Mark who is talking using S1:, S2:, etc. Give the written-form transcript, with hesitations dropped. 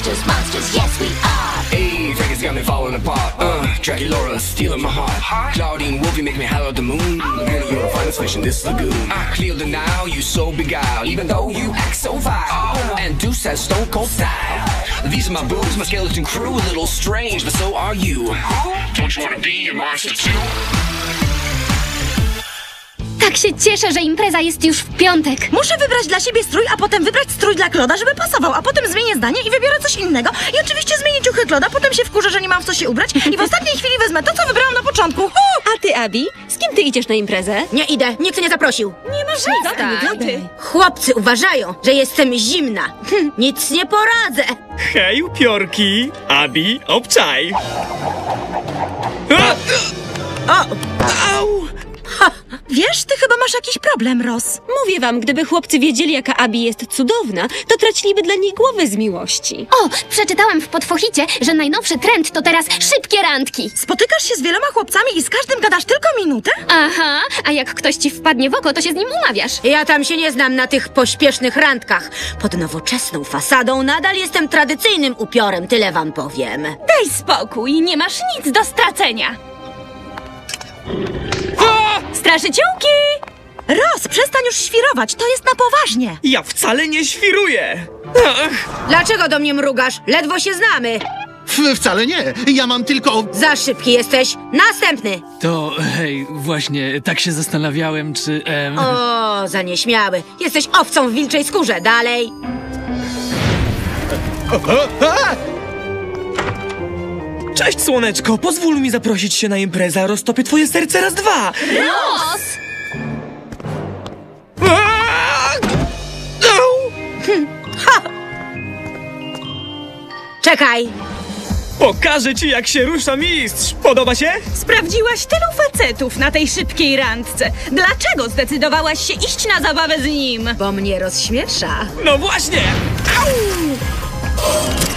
S1: monsters, yes we are.
S2: Hey, Vegas got me falling apart. Dracula stealing my heart. Claudine Wolfie make me holler at the moon. Girl, you're a finest fish in this lagoon. I clear the now, you so beguiled, even though you act so vile. And Deuce has stone cold style. These are my boobs, my skeleton crew, a little strange, but so are you. Don't you wanna be a monster too?
S3: Tak się cieszę, że impreza jest już w piątek.
S4: Muszę wybrać dla siebie strój, a potem wybrać strój dla Kloda, żeby pasował, a potem zmienię zdanie i wybiorę coś innego. I oczywiście zmienię ciuchy Kloda, potem się wkurzę, że nie mam w co się ubrać i w ostatniej chwili wezmę to, co wybrałam na początku.
S5: A ty, Abi, z kim ty idziesz na imprezę?
S4: Nie idę, nikt nie zaprosił.
S5: Nie masz nic.
S4: Chłopcy uważają, że jestem zimna. Nic nie poradzę.
S6: Hej, upiorki! Abi, obczaj!
S4: O!
S6: Au!
S4: Ha, wiesz, ty chyba masz jakiś problem, Ross.
S5: Mówię wam, gdyby chłopcy wiedzieli, jaka Abi jest cudowna, to traciliby dla niej głowy z miłości.
S3: O, przeczytałam w Podfochicie, że najnowszy trend to teraz szybkie randki.
S4: Spotykasz się z wieloma chłopcami i z każdym gadasz tylko minutę?
S3: Aha, a jak ktoś ci wpadnie w oko, to się z nim umawiasz.
S4: Ja tam się nie znam na tych pośpiesznych randkach. Pod nowoczesną fasadą nadal jestem tradycyjnym upiorem, tyle wam powiem.
S7: Daj spokój, nie masz nic do stracenia. Straszyciółki!
S4: Ross, przestań już świrować, to jest na poważnie.
S6: Ja wcale nie świruję! Ach,
S4: Dlaczego do mnie mrugasz? Ledwo się znamy.
S8: Wcale nie. Ja mam tylko...
S4: Za szybki jesteś. Następny.
S9: To, hej, właśnie, tak się zastanawiałem, czy...
S4: O, za nieśmiały. Jesteś owcą w wilczej skórze. Dalej.
S6: Cześć, słoneczko! Pozwól mi zaprosić się na imprezę, a roztopię twoje serce raz, dwa!
S3: Ross!
S6: Au!
S4: Czekaj.
S6: Pokażę ci, jak się rusza mistrz! Podoba się?
S7: Sprawdziłaś tylu facetów na tej szybkiej randce. Dlaczego zdecydowałaś się iść na zabawę z nim?
S4: Bo mnie rozśmiesza.
S6: No właśnie! Au!